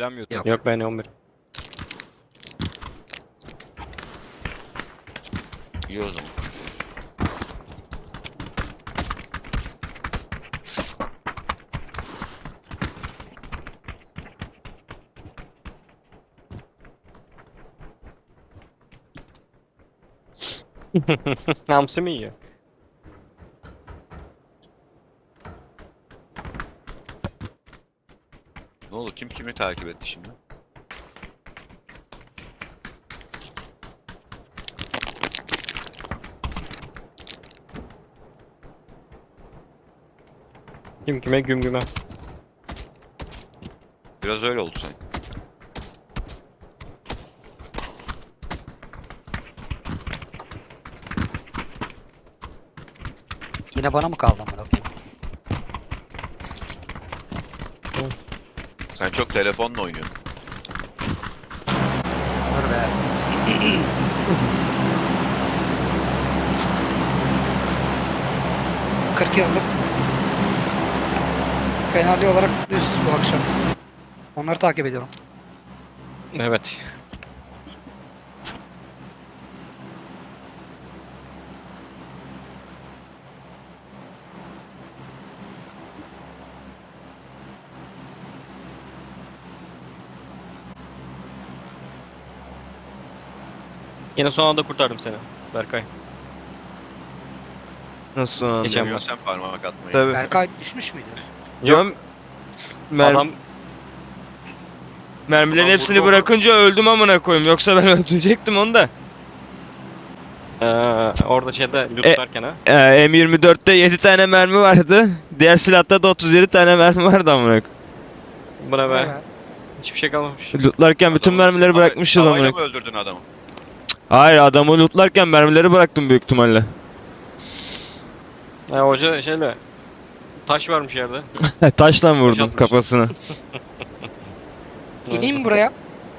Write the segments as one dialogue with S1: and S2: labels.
S1: Cam yok.
S2: Yok.
S3: Yok ben 11.
S4: İyi o zaman.
S3: Hamsi mi yiyor?
S4: Ne oldu? Kim kimi takip etti şimdi?
S3: Kim kime güm güme.
S4: Biraz öyle oldu sanki.
S2: Yine bana mı kaldı amına koyayım?
S4: Sen çok telefonla oynuyorsun.
S2: Dur be. ...40 yıllık Fenerli olarak mutluyuz bu akşam. Onları takip ediyorum.
S3: Evet. Yine son anda kurtardım seni Berkay.
S1: Nasıl son anda?
S3: Geçen
S4: Seviyorsun sen parmak atmayı.
S1: Tabii.
S2: Berkay düşmüş müydü?
S1: Yok.
S3: Adam
S1: Mermilerin
S4: Adam
S1: hepsini
S4: vurdu onu.
S1: bırakınca öldüm amına koyayım. Yoksa ben öldürecektim onu da.
S3: orada şeyde lootlarken ha.
S1: M24'te 7 tane mermi vardı. Diğer silahta da 37 tane mermi vardı amına koyayım.
S3: Buna be.
S2: Evet.
S3: Hiçbir şey kalmamış.
S1: Lootlarken bütün
S4: Adamı
S1: mermileri bırakmışız amına
S4: Tavayla
S1: koyayım.
S4: mı öldürdün adamı?
S1: Hayır, adamı lootlarken mermileri bıraktım büyük ihtimalle.
S3: Hoca şeyle. Taş varmış yerde.
S1: Taşla vurdum
S3: atmış.
S1: kafasına.
S2: İneyim mi buraya?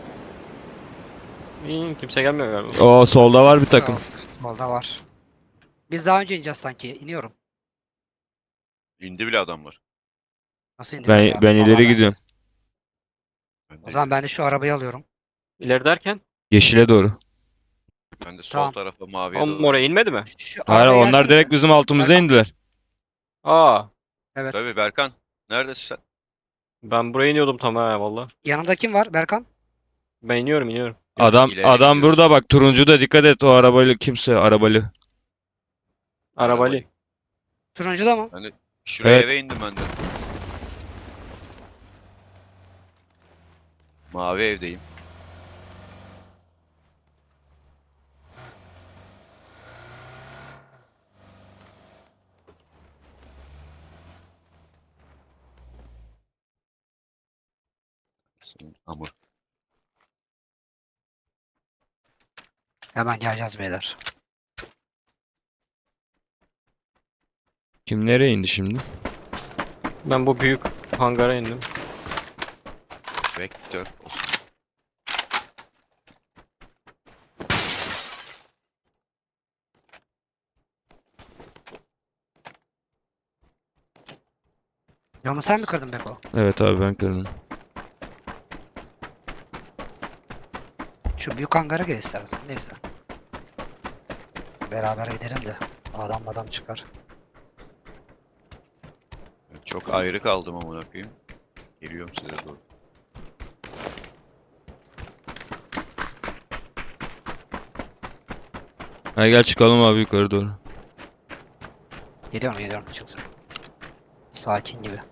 S3: İyi, kimse gelmiyor galiba.
S1: O solda var bir takım.
S2: Yok. Solda var. Biz daha önce ineceğiz sanki. İniyorum.
S4: İndi bile adamlar.
S2: Nasıl indim ya?
S1: Ben
S2: Vallahi
S1: ileri gidiyorum.
S2: O zaman ben de şu arabayı alıyorum.
S3: İleri derken?
S1: Yeşile doğru.
S4: Ben de sol
S2: Tamam.
S4: tarafa maviye
S3: Oğlum
S4: doğru.
S3: oraya inmedi mi?
S2: Şu
S1: Hayır,
S2: arabaya
S1: onlar
S2: gelsene
S1: direkt
S2: bir.
S1: bizim altımıza
S2: Berkan.
S1: indiler.
S3: Aa,
S2: Evet.
S4: Tabii Berkan. Neredesin sen?
S3: ben buraya iniyordum tam ha valla.
S2: Yanımda kim var? Berkan.
S3: Ben iniyorum.
S4: İleri
S1: Adam
S4: gidiyoruz.
S1: burada bak, turuncu da dikkat et, o arabayla kimse arabalı.
S3: Arabayla.
S2: Turuncu da mı?
S4: Ben de şuraya
S1: Evet.
S4: eve indim ben de. Mavi evdeyim. Hamur.
S2: Hemen geleceğiz beyler.
S1: Kim nereye indi şimdi?
S3: Ben bu büyük hangara indim.
S4: Vektör.
S2: Camı sen mi kırdın Beko?
S1: Evet abi, ben kırdım.
S2: Şu büyük hangara gel istersen. Neyse. Beraber gidelim de. Adam çıkar.
S4: Çok ayrı kaldım amına koyayım. Geliyorum size doğru.
S1: Hadi gel çıkalım abi yukarı doğru.
S2: Geliyorum çıksın. Sakin gibi.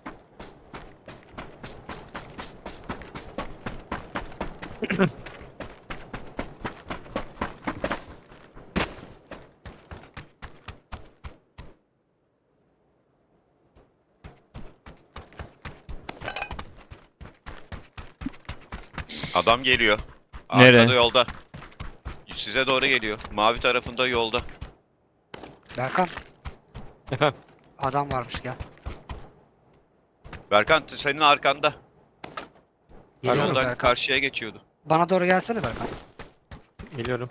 S4: Adam geliyor.
S1: Nereye?
S4: Arkada yolda. Size doğru geliyor. Mavi tarafında yolda.
S2: Berkan.
S3: Efendim?
S2: Adam varmış gel.
S4: Berkan senin arkanda.
S2: Geliyorum
S4: Yoldan
S2: Berkan.
S4: karşıya geçiyordu.
S2: Bana doğru gelsene Berkan.
S3: Geliyorum.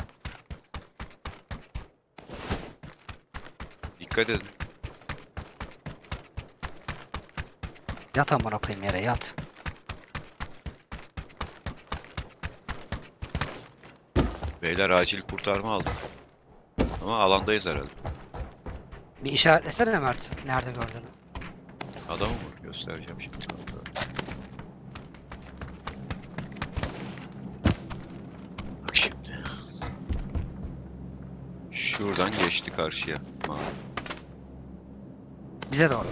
S4: Dikkat edin.
S2: Yat amına koyayım yere yat.
S4: Beyler acil kurtarma aldım. Ama alandayız herhalde.
S2: Bir işaretlesene Mert. Nerede gördüğünü.
S4: Adamı mı göstereceğim şimdi? Bak şimdi. Şuradan geçti karşıya. Mavi.
S2: Bize doğru.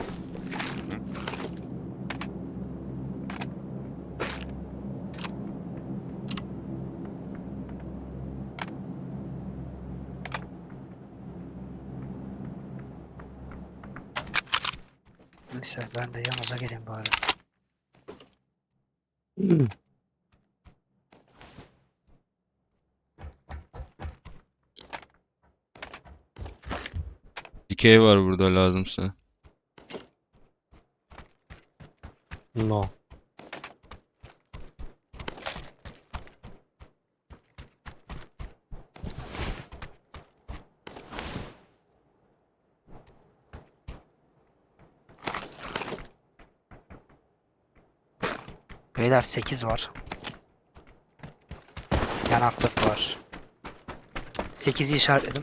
S2: Neyse ben de yanınıza geleyim bari.
S1: Dikey var burada lazımsa.
S3: No.
S2: Beyler 8 var. Yanaklık var. 8'i işaretledim.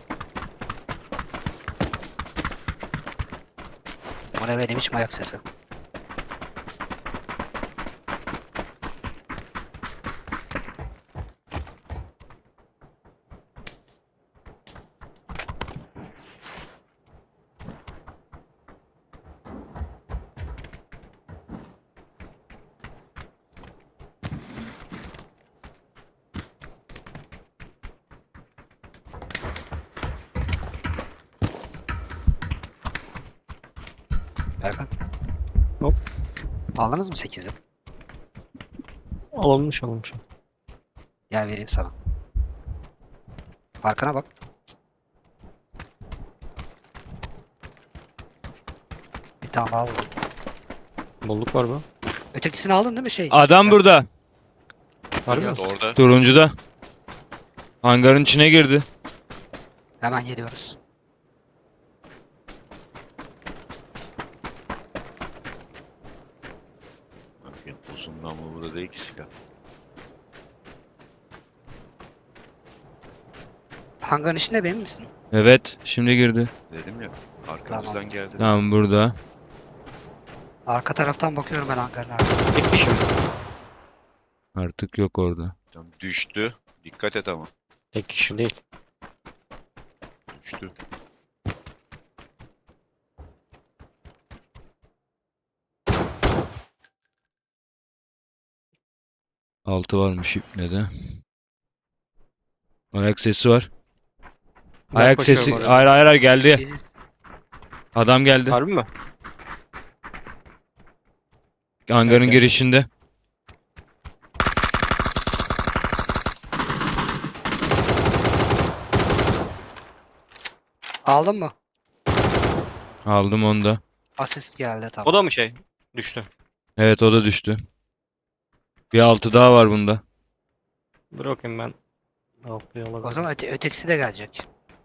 S2: Bu ne benim hiç ayak sesi. Berkan.
S3: Hop.
S2: Aldınız mı 8'i?
S3: Alınmış.
S2: Gel vereyim sana. Arkana bak. Bir tane daha vurdum.
S3: Bolluk var mı?
S2: Ötekisini aldın değil mi şey?
S1: Adam burada.
S3: Var mı?
S2: Geliyoruz.
S4: Orada.
S1: Turuncuda. Hangarın içine girdi.
S2: Hemen geliyoruz.
S4: Bakın uzun namlulu da değil ki silah.
S2: Hangarın içinde benim misin?
S1: Evet, şimdi girdi.
S4: Dedim ya. Arkamızdan geldi.
S1: Tamam burada.
S2: Arka taraftan bakıyorum ben hangarın
S3: Tek kişi mi?
S1: Artık yok orada.
S4: Tamam, düştü. Dikkat et ama.
S3: Tek kişi değil.
S4: Düştü.
S1: Altı varmış ipne de. Ayak sesi var.
S3: Ben
S1: Ayak
S3: koşuyorum
S1: sesi.
S3: oraya.
S1: Hayır geldi.
S2: Biziz.
S1: Adam geldi.
S3: Harbi mi?
S1: Hangarın
S3: Evet,
S1: girişinde.
S2: Aldın mı?
S1: Aldım onu da.
S2: Asist geldi tamam.
S3: O da mı şey? Düştü.
S1: Evet o da düştü. Bir altı daha var bunda.
S3: Dur bakayım ben. Altıyı
S2: O
S3: alabilirim.
S2: zaman ötekisi de gelecek.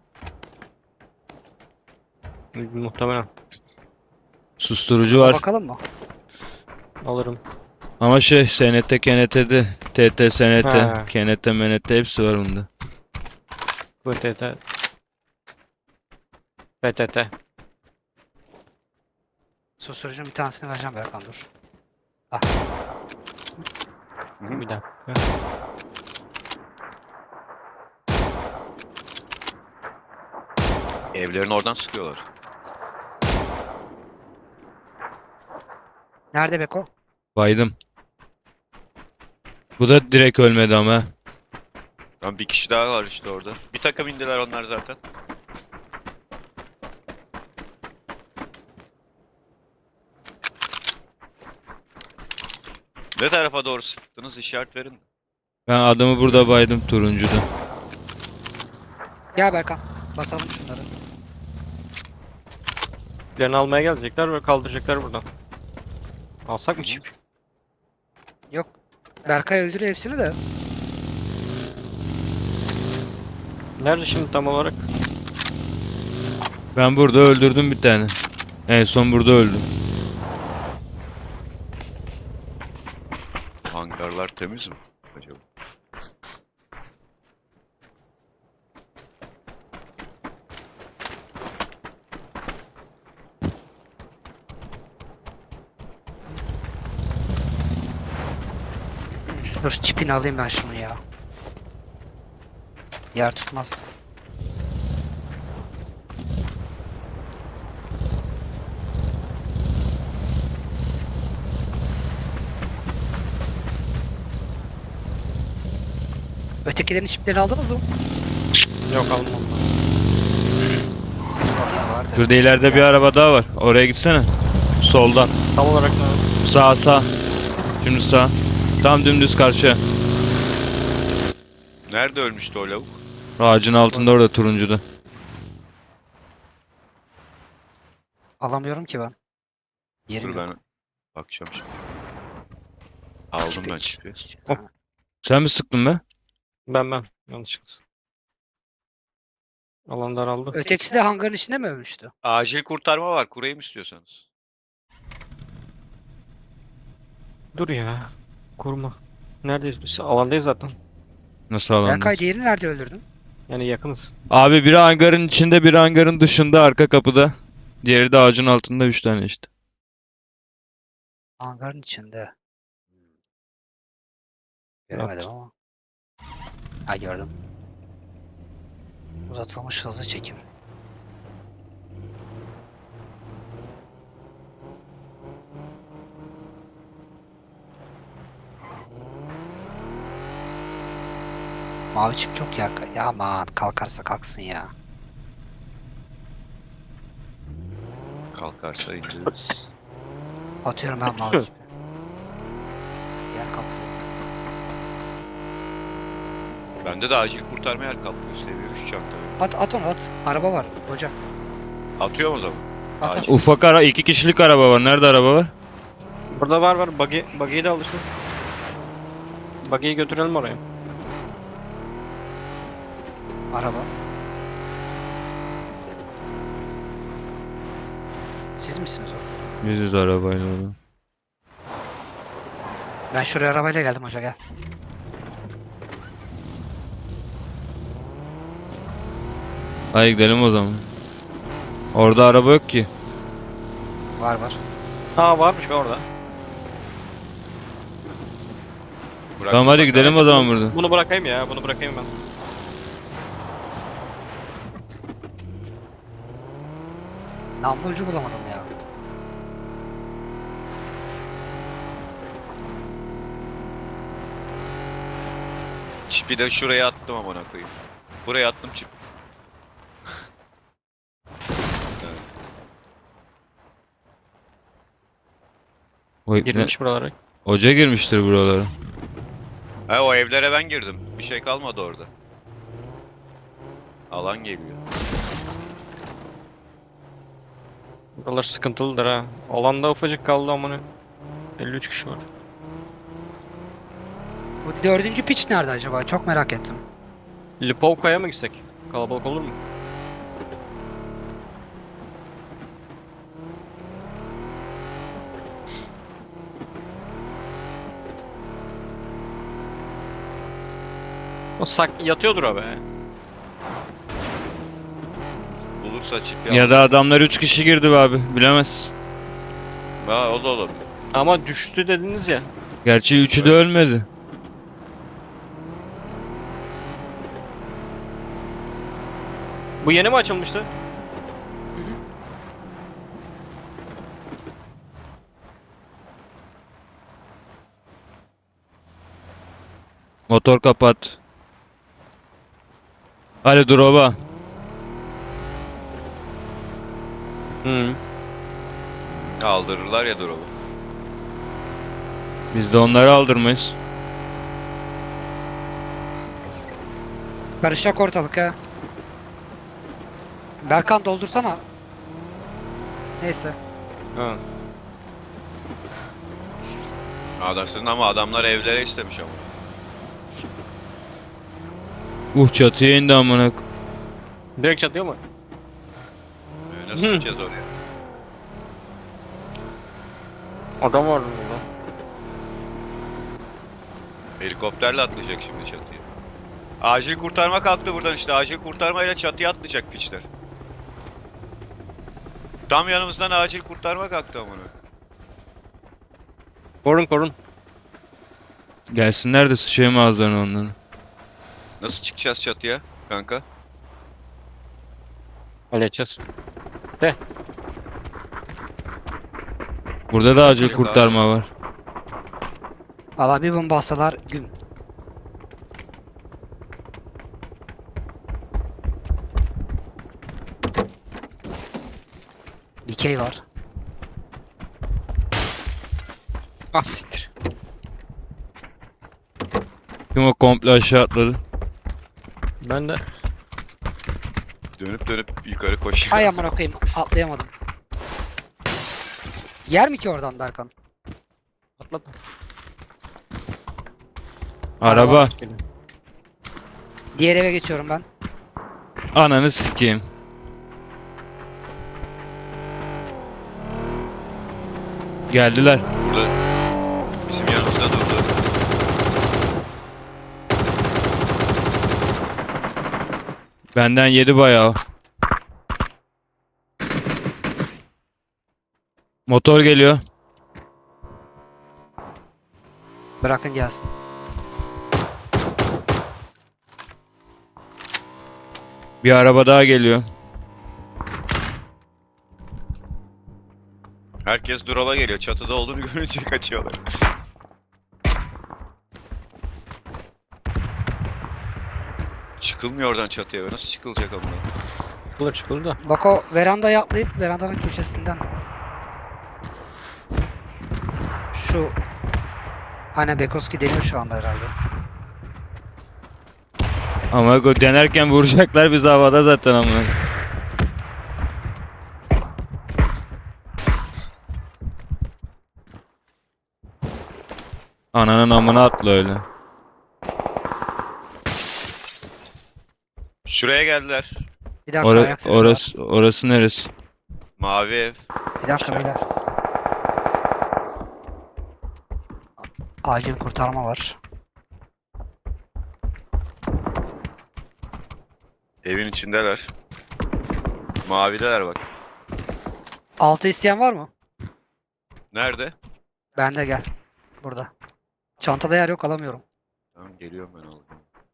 S3: Muhtemelen.
S1: Susturucu
S2: Ona
S1: var.
S2: bakalım mı?
S3: Alırım.
S1: Ama şey SNT, KNT'de. TT, SNT,
S3: Ha.
S1: KNT, MNT hepsi var bunda.
S3: VTT. PTT.
S2: Susturucunun bir tanesini vereceğim Berkan dur.
S3: Bir dakika.
S4: Evlerin oradan sıkıyorlar.
S2: Nerede Beko?
S1: Baydım. Bu da direkt ölmedi ama.
S4: Tamam, bir kişi daha var işte orada. Bir takım indiler onlar zaten. Ne tarafa doğru sıktınız, işaret verin.
S1: Ben adamı burada baydım turuncuda.
S2: Gel Berkan. Basalım şunları.
S3: Birini almaya gelecekler ve kaldıracaklar buradan. Alsak mı çip?
S2: Yok. Berkay öldürüyor hepsini de.
S3: Nerede şimdi tam olarak?
S1: Ben burada öldürdüm bir tane. En son burada öldüm.
S4: Hangarlar temiz mi acaba?
S2: Dur çipini alayım ben şunu ya. Yer tutmaz. Ötekilerin çiplerini aldınız mı?
S3: Yok almam.
S2: Alayım vardı.
S1: Şurada ileride bir araba daha var. Oraya gitsene. Soldan.
S3: Tam olarak ne?
S1: Sağ sağ. Şimdi sağ. Tam dümdüz karşıya.
S4: Nerede ölmüştü o lavuk?
S1: Ağacın altında orada turuncuda.
S2: Alamıyorum ki ben. Yerim
S4: Dur
S2: yok.
S4: ben bakacağım şimdi. Aldım ben çipi.
S2: Ha.
S1: Sen mi sıktın be?
S3: Ben. Yanlışlıkla. Alan daraldı.
S2: Ötekisi de hangarın içinde mi ölmüştü?
S4: Acil kurtarma var. Kurayım istiyorsanız.
S3: Dur ya. Kurma. Neredeyiz biz? Alandayız zaten.
S1: Nasıl
S2: Berkay
S1: alandasın?
S2: diğerini nerede öldürdün?
S3: Yani yakınız.
S1: Abi biri hangarın içinde, biri hangarın dışında, arka kapıda. Diğeri de ağacın altında 3 tane işte.
S2: Hangarın içinde. Göremedim ama. Ha gördüm. Uzatılmış hızlı çekim. Mavi çip çok yakın. Ya aman kalkarsa kalksın ya.
S4: Kalkarsa indiririz.
S2: Atıyorum ben mavi çipi. Yer kaplıyor.
S4: Bende de acil kurtarma yer kaplıyor. Seviye 3 çanta.
S2: At onu at. Araba var hoca.
S4: Atıyorum o zaman.
S2: At at.
S4: Acil.
S1: Ufak 2 kişilik araba var. Nerede araba var?
S3: Burada var. Buggy'yi de alırsın. Buggy'yi götürelim oraya.
S2: Araba. Siz misiniz o?
S1: Biziz arabayla orada.
S2: Ben şuraya arabayla geldim hoca gel.
S1: Hadi gidelim o zaman. Orada araba yok ki.
S2: Var.
S3: Ha varmış be orada.
S4: Bırak.
S1: Tamam hadi gidelim o zaman burada.
S3: Bunu bırakayım ya. Bunu bırakayım ben.
S2: Namlu ucu bulamadım ya.
S4: Çipi de şuraya attım amına koyayım. Buraya attım çip.
S3: Girmiş buralara.
S1: Hoca girmiştir buralara.
S4: Ha o evlere ben girdim. Bir şey kalmadı orada. Alan geliyor.
S3: Buralar sıkıntılıdır ha. Alanda ufacık kaldı amına. 53 kişi var.
S2: Bu dördüncü piç nerede acaba? Çok merak ettim.
S3: Lipovka'ya mı gitsek? Kalabalık olur mu? O yatıyordur abi.
S4: Bulursa çip
S1: Ya da adamlar 3 kişi girdi be abi. Bilemez.
S4: Ha o da olabilir.
S3: Ama düştü dediniz ya.
S1: Gerçi 3'ü de ölmedi.
S3: Bu yeni mi açılmıştı?
S1: Motor kapat. Hadi drop'a.
S3: Hı.
S4: Aldırırlar ya drop'u.
S1: Biz de onları aldırmayız.
S2: Karışacak ortalık ha. Berkan doldursana. Neyse.
S3: Ha.
S4: Adamsın ama adamlar evlere istemiş ama.
S1: Çatıya indi amına.
S3: Direkt çatıyor mu?
S4: Nasıl
S3: Hı.
S4: çıkacağız oraya?
S3: Adam var burada.
S4: Helikopterle atlayacak şimdi çatıya. Acil kurtarma kalktı buradan işte. Acil kurtarmayla çatıya atlayacak piçler. Tam yanımızdan acil kurtarma kalktı amına.
S3: Korun.
S1: Gelsinler de sıçayım ağızlarına onların.
S4: Nasıl çıkacağız çatıya kanka?
S3: Halledeceğiz.
S1: Burada da acil
S4: Yok
S1: kurtarma var.
S2: Valla bir bomba atsalar gün. Dikey var.
S3: Ah siktir.
S1: Kim o komple aşağı atladı?
S3: Ben de.
S4: Dönüp dönüp yukarı koşuyor.
S2: Ay amına koyayım atlayamadım. Yer mi ki oradan Berkan?
S3: Atladım.
S1: Araba.
S2: Diğer eve geçiyorum ben.
S1: Ananı sikeyim. Geldiler.
S4: Burada bizim yanımızda durdu.
S1: Benden yedi bayağı. Motor geliyor.
S2: Bırakın gelsin.
S1: Bir araba daha geliyor.
S4: Herkes drop'a geliyor. Çatıda olduğunu görünce kaçıyorlar. Çıkılmıyor oradan çatıya. Nasıl çıkılacak amına?
S3: Çıkılır da.
S2: Bak o verandaya atlayıp verandanın köşesinden. Şu Aynen Bekoski deniyor şu anda herhalde.
S1: Ama denerken vuracaklar biz havada zaten amına. Ananın amına atla öyle.
S4: Şuraya geldiler.
S2: Bir dakika ayak sesi var.
S1: Orası neresi?
S4: Mavi ev.
S2: Bir dakika beyler. Acil kurtarma var.
S4: Evin içindeler. Mavideler bak.
S2: Altı isteyen var mı?
S4: Nerede?
S2: Bende gel. Burada. Çantada yer yok alamıyorum.
S4: Tamam geliyorum ben alayım.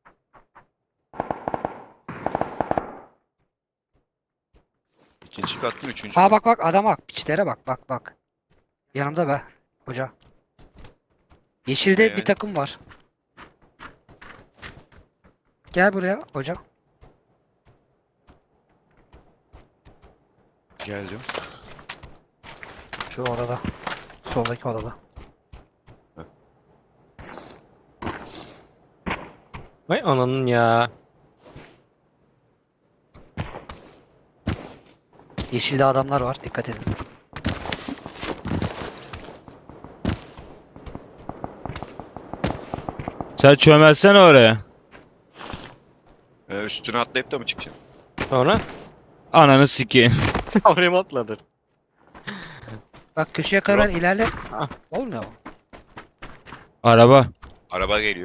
S4: İkinci kat mı? Üçüncü
S2: Aa
S4: kat?
S2: bak adam bak. Piçlere bak. Yanımda be. Hoca. Yeşilde
S4: Yani.
S2: bir takım var. Gel buraya hoca.
S4: Geldim.
S2: Şu odada. Soldaki odada.
S3: Vay ananın ya.
S2: Yeşilde adamlar var. Dikkat edin.
S1: Sen çömelsene oraya.
S4: Üstüne atlayıp da mı çıkacağım?
S3: Sonra
S1: Ananı sikeyim.
S3: oraya mı atladın?
S2: Bak köşeye kadar
S4: Drop.
S2: ilerle.
S3: Ah.
S2: Olmuyor mu?
S1: Araba.
S4: Araba geliyor.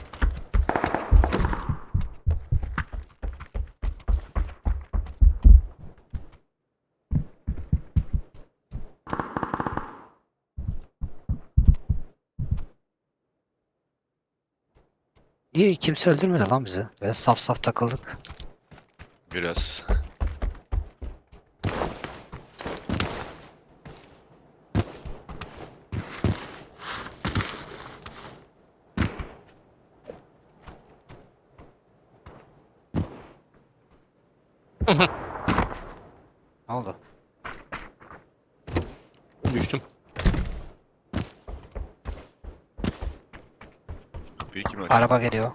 S2: Niye kimse öldürmedi lan bizi? Böyle saf saf takıldık.
S4: Biraz.
S2: Ne oldu?
S3: Düştüm.
S4: Kapıyı kim açtı?
S2: Araba geliyor.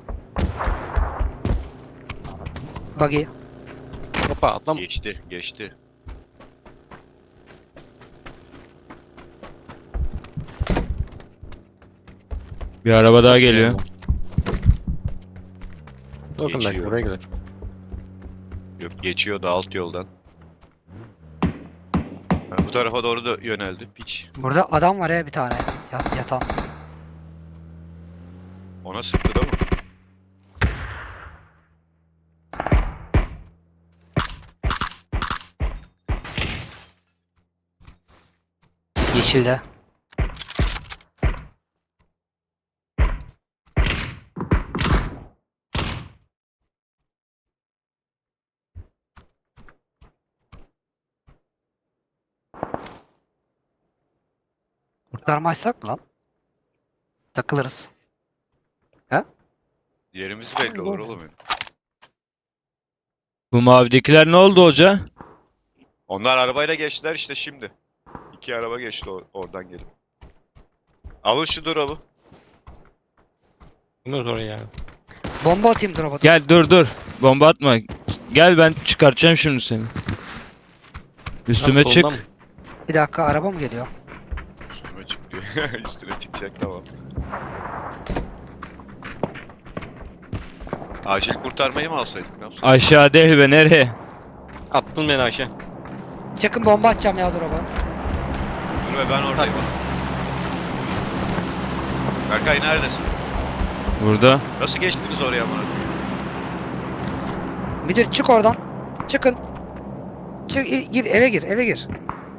S2: Buggy.
S3: Hoppa atlama.
S4: Geçti. Geçti.
S1: Bir araba daha geliyor.
S3: Bakın belki
S4: Geçiyor.
S3: buraya gelir.
S4: Yok geçiyor da alt yoldan. Ha, bu tarafa doğru da yöneldi. Piç.
S2: Burada adam var ya bir tane. Yatan.
S4: Ona sıktı da mı?
S2: Yeşilde. Kurtarmazsak mı lan? Takılırız.
S4: Yerimiz belli olur oğlum benim.
S1: Bu mavidekiler ne oldu hoca?
S4: Onlar arabayla geçtiler işte şimdi. 2 araba geçti oradan gelip. Alın şu drop'u.
S3: Bilmiyoruz oraya yani.
S2: Bomba atayım drop'a.
S1: Gel dur. Bomba atma. Gel ben çıkartacağım şimdi seni. Üstüme
S3: Abi
S1: çık.
S3: soldan mı?
S2: Bir dakika araba mı geliyor?
S4: Üstüme çık diyor. Üstüne çıkacak tamam. Acil kurtarmayı mı alsaydık ne yapsaydık?
S1: Aşağı değil be nereye?
S3: Attın beni aşağı.
S2: Çıkın bomba atacağım ya drop'a.
S4: Dur be ben oradayım. Berkay neredesin?
S1: Burada.
S4: Nasıl geçtiniz oraya amına koyayım?
S2: Müdür çık oradan. Çıkın. Çık gir eve gir eve gir.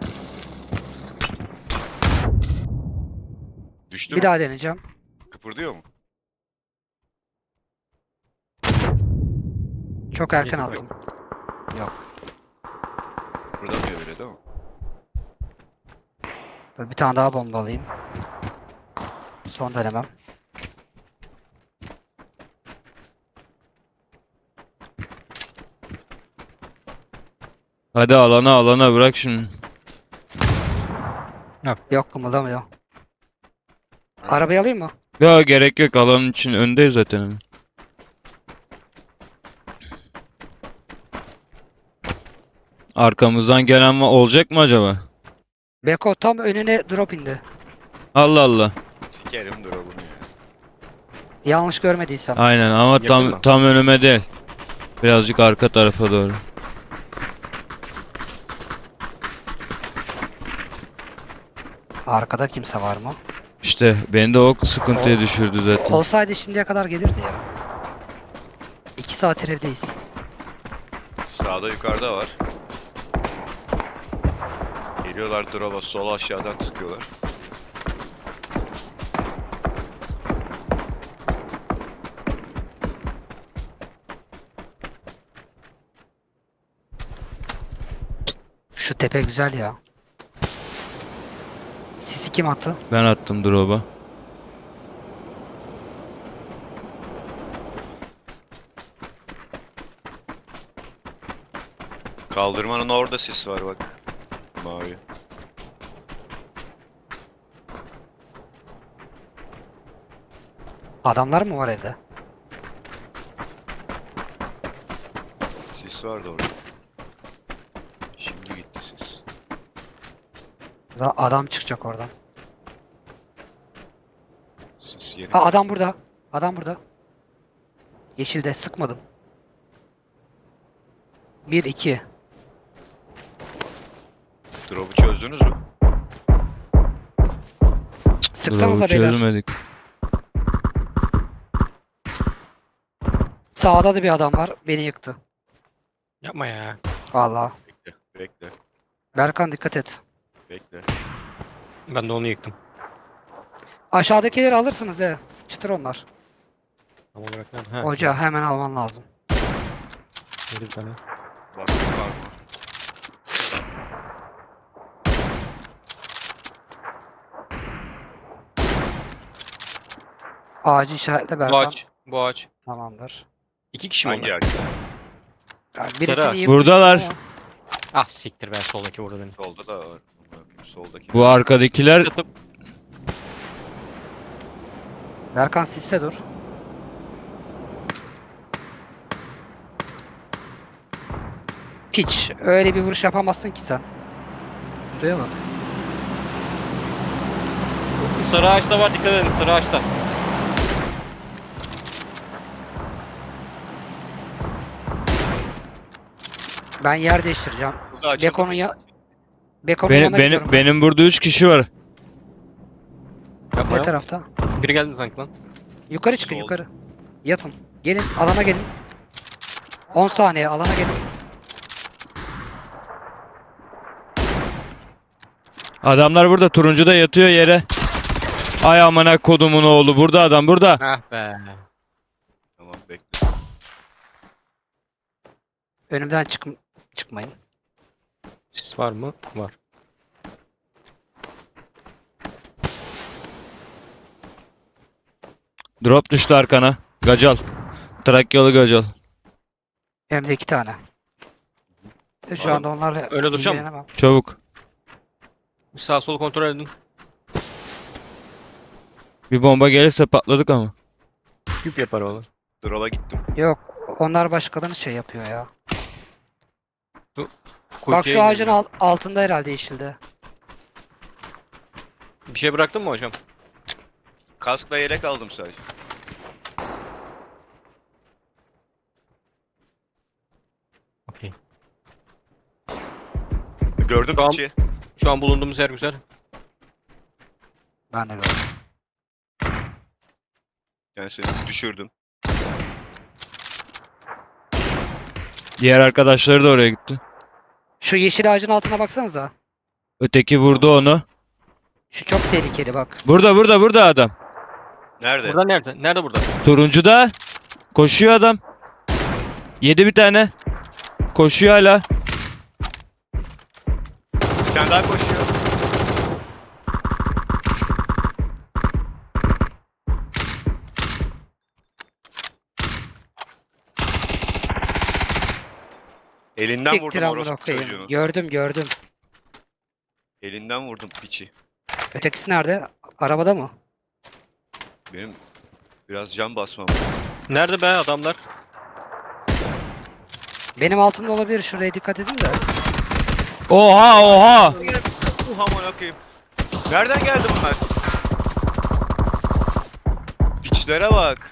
S4: Düştü
S2: Bir
S4: mü?
S2: daha deneyeceğim.
S4: Kıpırdıyor mu?
S2: Çok erken
S3: Yok.
S2: attım.
S4: Kıpırdamıyor bile değil mi?
S2: Dur bir tane daha bomba alayım. Son denemem.
S1: Hadi alana bırak şunu.
S2: Yok kımıldamıyor. Arabayı alayım mı?
S1: Ya gerek yok alanın için öndeyiz zaten. Hemen. Arkamızdan gelen olacak mı acaba?
S2: Beko tam önüne drop indi.
S1: Allah Allah.
S4: Sikerim drop'unu ya.
S2: Yanlış görmediysem.
S1: Aynen ama
S3: Yakın
S1: tam
S3: mı?
S1: tam önüme değil. Birazcık arka tarafa doğru.
S2: Arkada kimse var mı?
S1: İşte beni de o sıkıntıya düşürdü zaten.
S2: Olsaydı şimdiye kadar gelirdi ya. 2 saat evdeyiz.
S4: Sağda yukarıda var. Geliyorlar drop'a sola aşağıdan sıkıyorlar.
S2: Şu tepe güzel ya. Sisi kim attı?
S1: Ben attım drop'a.
S4: Kaldırmanın orada sis var bak. Mavi.
S2: Adamlar mı var evde?
S4: Sis vardı orada. Şimdi gitti sis.
S2: Adam çıkacak oradan.
S4: Sis yeni.
S2: Ha adam burada. Adam burada. Yeşilde sıkmadım. 1 2.
S4: Drop'u çözdünüz mü?
S2: Sıksanıza
S1: Drop'u
S2: beyler.
S1: çözmedik.
S2: Sağda da bir adam var. Beni yıktı.
S3: Yapma ya.
S2: Vallahi.
S4: Bekle. Bekle.
S2: Berkan dikkat et.
S4: Bekle.
S3: Ben de onu yıktım.
S2: Aşağıdakileri alırsınız he. Çıtır onlar.
S3: Tam olarak nerede? Ha,
S2: Hoca hemen alman lazım.
S3: şöyle bir tane.
S4: Bak var mı?
S2: Ağacı işaretle
S3: Bu
S2: Berkan.
S3: ağaç. Bu ağaç.
S2: Tamamdır.
S3: 2 kişi mi
S4: Hangi
S3: onlar?
S4: ağaç?
S2: Yani
S3: Sarı.
S2: birisini iyi
S1: Buradalar.
S2: vurmuştum
S3: Ah siktir ben soldaki vurdu beni.
S4: Solda da var. Soldaki.
S1: Bu arkadakiler
S3: Yatıp
S2: ama Berkan siste dur. Piç. Öyle bir vuruş yapamazsın ki sen. Şuraya bak.
S3: sarı ağaçta var, dikkat edin sarı ağaçta.
S2: Ben yer değiştireceğim.
S4: Burada açıldı.
S2: Beko'nun ya... Beko'nun
S1: benim
S2: yanına gidiyorum ben.
S1: benim burada 3 kişi var.
S3: Yapma
S2: Ne
S3: ya.
S2: tarafta?
S3: Biri geldi sanki lan.
S2: Yukarı çıkın
S4: Sol.
S2: yukarı. Yatın. Gelin alana gelin. 10 saniye alana gelin.
S1: Adamlar burada turuncuda yatıyor yere. Ay amına kodumun oğlu burada adam burada.
S3: Ah be.
S4: Tamam bekle.
S2: Önümden çıkmayın.
S3: Sis var mı? Var.
S1: Drop düştü arkana. Gacal. Trakyalı Gacal.
S2: Hem de 2 tane. Şu
S4: Oğlum,
S2: anda onlarla
S3: öyle duracağım.
S2: ilgilenemem.
S1: Çabuk.
S3: Bir sağ sol kontrol edin.
S1: Bir bomba gelirse patladık ama.
S3: Küp yapar oğlum.
S4: Drop'a gittim.
S2: Yok. Onlar başkalarının şey yapıyor ya. Bak
S3: Kuytuya
S2: şu ağacın
S3: indirdim.
S2: altında herhalde yeşilde.
S3: Bir şey bıraktın mı hocam?
S4: Kaskla yelek aldım sadece.
S3: Okey.
S4: Gördüm
S3: Tamam.
S4: piçi.
S3: Şu an bulunduğumuz yer güzel.
S2: Ben de gördüm.
S4: Yani seni düşürdüm.
S1: Diğer arkadaşları da oraya gitti.
S2: Şu yeşil ağacın altına baksanıza.
S1: Öteki vurdu onu.
S2: Şu çok tehlikeli bak.
S1: Burada adam.
S4: Nerede?
S3: Burada nerede? Nerede burada?
S1: Turuncuda. Koşuyor adam. Yedi bir tane. Koşuyor hala.
S4: Bir tane daha koşuyor. Elinden
S2: Siktir
S4: vurdum
S2: amına
S4: orospu
S2: koyayım.
S4: çocuğunu.
S2: Gördüm.
S4: Elinden vurdum piçi.
S2: Ötekisi nerede? Arabada mı?
S4: Benim biraz can basmam lazım.
S3: Nerede be adamlar?
S2: Benim altımda olabilir. Şuraya dikkat edin de.
S1: Oha.
S4: Aman okuyayım. Nereden geldi bunlar? Piçlere bak.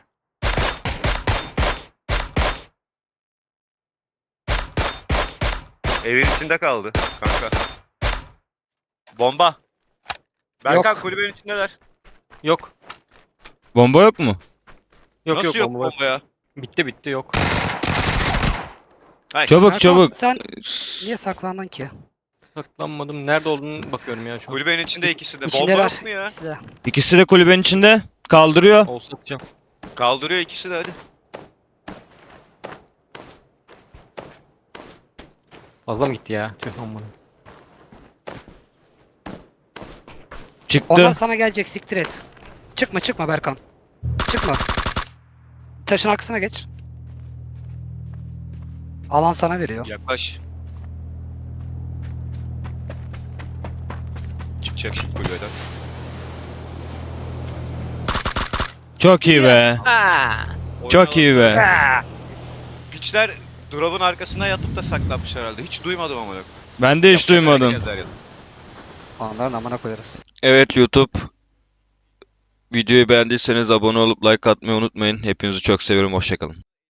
S4: Evin içinde kaldı kanka. Bomba. Berkan kulübenin içindeler.
S3: Yok.
S1: Bomba yok mu?
S3: Yok
S4: Nasıl yok
S3: bomba var.
S4: bomba ya?
S3: Bitti yok.
S4: Ay,
S1: Çabuk
S2: Erkan,
S1: çabuk.
S2: Sen niye saklandın ki?
S3: Saklanmadım. Nerede olduğunu bakıyorum ya şu an.
S4: Kulübenin içinde ikisi de. Bomba
S2: İçindeler.
S4: yok mu ya?
S2: İkisi de.
S1: İkisi de kulübenin içinde. Kaldırıyor.
S3: Olsa atacağım.
S4: Kaldırıyor ikisi de hadi.
S3: Fazla mı gitti ya? Tüh aman.
S1: Çıktı.
S2: Onlar sana gelecek, siktir et. Çıkma Berkan. Çıkma. Taşın arkasına geç. Alan sana veriyor.
S4: Yaklaş. Çıkacak şimdi kulübeden.
S1: Çok iyi be. Çok iyi be.
S4: Piçler drop'un arkasına yatıp da saklanmış herhalde. Hiç duymadım ama.
S1: Ben de hiç duymadım.
S2: Onların amına koyarız.
S1: Evet YouTube. Videoyu beğendiyseniz abone olup like atmayı unutmayın. Hepinizi çok seviyorum. Hoşçakalın.